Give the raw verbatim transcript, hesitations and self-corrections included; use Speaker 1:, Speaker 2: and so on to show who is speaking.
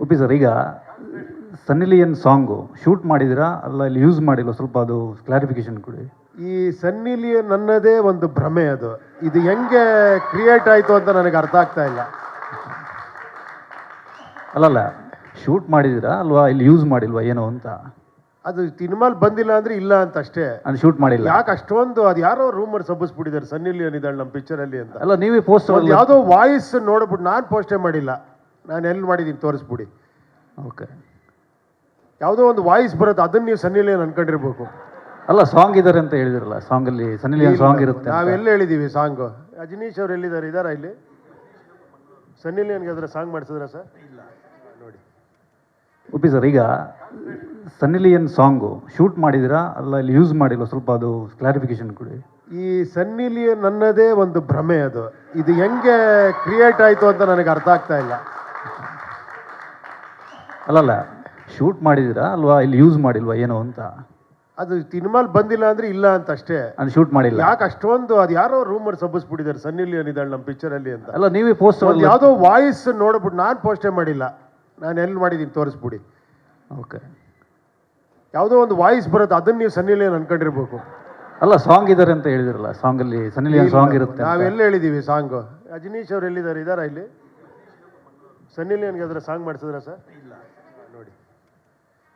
Speaker 1: ಉಪಿ sir, ಈಗ Sunny Leone song shoot ಮಾಡಿದಿರಾ ಅಲ್ಲ ಇಲ್ಲಿ ಯೂಸ್ ಮಾಡಿಲ್ಲ, ಸ್ವಲ್ಪ ಅದು ಕ್ಲಾರಿಫಿಕೇಶನ್ ಕೊಡಿ.
Speaker 2: ಈ ಸನ್ನಿ ಲಿಯೋನ್ ಅನ್ನೋದೇ ಒಂದು ಭ್ರಮೆ. ಅದು ಇದು ಹೆಂಗೆ ಕ್ರಿಯೇಟ್ ಆಯಿತು ಅಂತ ನನಗೆ ಅರ್ಥ ಆಗ್ತಾ ಇಲ್ಲ.
Speaker 1: ಅಲ್ಲಲ್ಲ, ಶೂಟ್ ಮಾಡಿದಿರಾ ಅಲ್ವಾ ಇಲ್ಲಿ ಯೂಸ್ ಮಾಡಿಲ್ವಾ ಏನೋ ಅಂತ.
Speaker 2: ಅದು ಸಿನಿಮಾಲ್ ಬಂದಿಲ್ಲ ಅಂದ್ರೆ ಇಲ್ಲ ಅಂತ ಅಷ್ಟೇ.
Speaker 1: ಅದು ಶೂಟ್ ಮಾಡಿಲ್ಲ.
Speaker 2: ಯಾಕೆ ಅಷ್ಟೊಂದು ಅದು ಯಾರೋ ರೂಮರ್ ಸಬ್ಬಿಸ್ಬಿಟ್ಟಿದ್ದಾರೆ ಸನ್ನಿ ಲಿಯೋನ್ ಇದ್ದಾಳೆ ನಮ್ಮ ಪಿಕ್ಚರ್ ಅಲ್ಲಿ ಅಂತ.
Speaker 1: ಅಲ್ಲ, ನೀವೇ ಪೋಸ್ಟ್
Speaker 2: ಯಾವುದೋ ವಾಯ್ಸ್ ನೋಡ್ಬಿಟ್ಟು ನಾನು ಪೋಸ್ಟೇ ಮಾಡಿಲ್ಲ, ನಾನು ಎಲ್ಲಿ ಮಾಡಿದ್ದೀನಿ ತೋರಿಸ್ಬಿಡಿ.
Speaker 1: ಓಕೆ,
Speaker 2: ಯಾವುದೋ ಒಂದು ವಾಯ್ಸ್ ಬರುತ್ತೆ, ಅದನ್ನ ನೀವು ಸನ್ನಿ ಲಿಯೋನ್ ಅನ್ಕೊಂಡಿರ್ಬೇಕು.
Speaker 1: ಅಲ್ಲ, ಸಾಂಗ್ ಇದ್ದಾರೆ ಅಂತ ಹೇಳಿದಿರಲ್ಲ, ಸಾಂಗ್ ಅಲ್ಲಿ ಸನ್ನಿ ಲಿಯೋನ್ ಸಾಂಗ್ ಇರುತ್ತೆ.
Speaker 2: ನಾವೆಲ್ಲ ಹೇಳಿದೀವಿ ಸಾಂಗ್. ಅಜನೀಶ್ ಅವ್ರು ಎಲ್ಲಿದ್ದಾರೆ? ಇದಾರಾ ಇಲ್ಲಿ? ಸನ್ನಿ ಲಿಯೋನ್ಗೆ ಅದರ ಸಾಂಗ್ ಮಾಡಿಸಿದ್ರ ಸರ್? ಇಲ್ಲ ನೋಡಿ.
Speaker 1: ಉಪಿ ಸರ್, ಈಗ ಸನ್ನಿ ಲಿಯೋನ್ ಸಾಂಗು ಶೂಟ್ ಮಾಡಿದಿರಾ ಅಲ್ಲ ಇಲ್ಲಿ ಯೂಸ್ ಮಾಡಿಲ್ಲ, ಸ್ವಲ್ಪ ಅದು ಕ್ಲಾರಿಫಿಕೇಶನ್ ಕೊಡಿ.
Speaker 2: ಈ ಸನ್ನಿ ಲಿಯೋನ್ ಅನ್ನೋದೇ ಒಂದು ಭ್ರಮೆ. ಅದು ಇದು ಹೆಂಗೆ ಕ್ರಿಯೇಟ್ ಆಯಿತು ಅಂತ ನನಗೆ ಅರ್ಥ ಆಗ್ತಾ ಇಲ್ಲ.
Speaker 1: ಅಲ್ಲಲ್ಲ, ಶೂಟ್ ಮಾಡಿದಿರಾ ಅಲ್ವಾ ಇಲ್ಲಿ ಯೂಸ್ ಮಾಡಿಲ್ವಾ ಏನೋ ಅಂತ.
Speaker 2: ಅದು ಸಿನಿಮಾಲ್ ಬಂದಿಲ್ಲ ಅಂದ್ರೆ ಇಲ್ಲ ಅಂತ ಅಷ್ಟೇ.
Speaker 1: ಅದು ಶೂಟ್ ಮಾಡಿಲ್ಲ.
Speaker 2: ಯಾಕೆ ಅಷ್ಟೊಂದು ಅದು ಯಾರೋ ರೂಮರ್ ಸಬ್ಬಿಸ್ಬಿಟ್ಟಿದ್ದಾರೆ ಸನ್ನಿ ಲಿಯೋನ್ ಇದ್ದಾಳೆ ನಮ್ಮ ಪಿಕ್ಚರ್ ಅಲ್ಲಿ ಅಂತ.
Speaker 1: ಅಲ್ಲ, ನೀವೇ ಪೋಸ್ಟ್
Speaker 2: ಯಾವುದೋ ವಾಯ್ಸ್ ನೋಡ್ಬಿಟ್ಟು ನಾನು ಪೋಸ್ಟೇ ಮಾಡಿಲ್ಲ, ನಾನು ಎಲ್ಲಿ ಮಾಡಿದ್ದೀನಿ ತೋರಿಸ್ಬಿಡಿ.
Speaker 1: ಓಕೆ,
Speaker 2: ಯಾವುದೋ ಒಂದು ವಾಯ್ಸ್ ಬರುತ್ತೆ, ಅದನ್ನ ನೀವು ಸನ್ನಿ ಲಿಯೋನ್ ಅನ್ಕೊಂಡಿರ್ಬೇಕು.
Speaker 1: ಅಲ್ಲ, ಸಾಂಗ್ ಇದ್ದಾರೆ ಅಂತ ಹೇಳಿದಿರಲ್ಲ, ಸಾಂಗ್ ಅಲ್ಲಿ ಸನ್ನಿ ಲಿಯೋನ್ ಸಾಂಗ್ ಇರುತ್ತೆ.
Speaker 2: ನಾವೆಲ್ಲ ಹೇಳಿದೀವಿ ಸಾಂಗ್. ಅಜನೀಶ್ ಅವ್ರು ಎಲ್ಲಿದ್ದಾರೆ? ಇದಾರಾ ಇಲ್ಲಿ? ಸನ್ನಿ ಲಿಯೋನ್ಗೆ ಅದರ ಸಾಂಗ್ ಮಾಡಿಸಿದ್ರ ಸರ್?